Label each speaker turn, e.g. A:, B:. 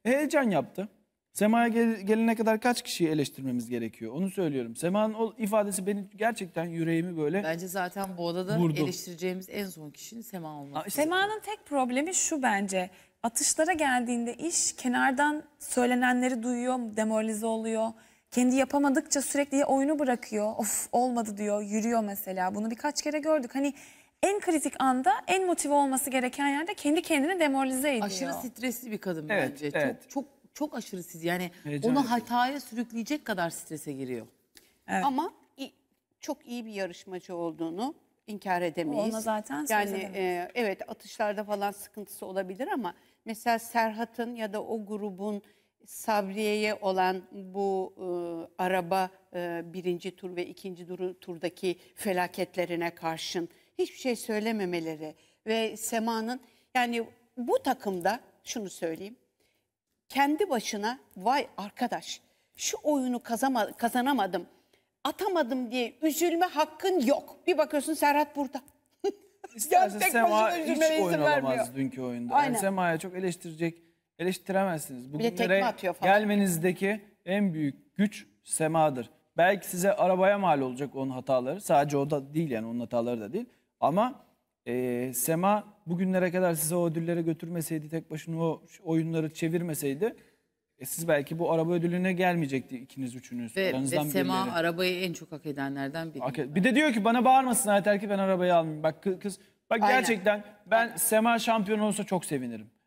A: Heyecan yaptı. Sema'ya gelene kadar kaç kişiyi eleştirmemiz gerekiyor? Onu söylüyorum. Sema'nın o ifadesi benim gerçekten yüreğimi böyle
B: Bence zaten bu odada
A: vurdu.
B: eleştireceğimiz en son kişinin Sema olması.
C: Sema'nın tek problemi şu bence. Atışlara geldiğinde iş kenardan söylenenleri duyuyor, demoralize oluyor. Kendi yapamadıkça sürekli ya oyunu bırakıyor. Of olmadı diyor, yürüyor mesela. Bunu birkaç kere gördük. Hani en kritik anda en motive olması gereken yerde kendi kendini demoralize ediyor.
B: Aşırı stresli bir kadın
A: Evet,
B: bence.
A: evet.
B: Çok aşırı stres. Yani
A: Heyecan
B: onu
A: yapıyor.
B: hataya sürükleyecek kadar strese giriyor.
C: Evet.
D: Ama çok iyi bir yarışmacı olduğunu inkar edemeyiz.
C: Ona zaten söz
D: yani
C: edemeyiz.
D: evet, atışlarda falan sıkıntısı olabilir ama mesela Serhat'ın ya da o grubun Sabriye'ye olan bu araba birinci tur ve ikinci turdaki felaketlerine karşın hiçbir şey söylememeleri ve Sema'nın, yani bu takımda şunu söyleyeyim, kendi başına vay arkadaş şu oyunu kazanamadım, atamadım diye üzülme hakkın yok. Bir bakıyorsun Serhat burada.
A: İsterse
D: tek
A: Sema
D: başına
A: hiç
D: üzülmene izin
A: oyun
D: vermiyor.
A: alamaz dünkü oyunda.
D: Aynen.
A: Yani Sema'ya çok eleştiremezsiniz.
D: Bir de tekme
A: Bugünlere
D: atıyor falan.
A: gelmenizdeki en büyük güç Sema'dır. Belki size arabaya mal olacak onun hataları. Sadece o da değil, yani onun hataları da değil. Ama Sema bugünlere kadar size o ödülleri götürmeseydi, tek başına o oyunları çevirmeseydi, siz belki bu araba ödülüne gelmeyecekti ikiniz üçünüz.
B: Ve
A: Aranızdan
B: Sema
A: birileri.
B: arabayı en çok hak edenlerden biri.
A: Bir de diyor ki bana bağırmasın yeter ki ben arabayı almayayım. Bak kız, bak
D: Aynen.
A: gerçekten ben Sema şampiyon olsa çok sevinirim.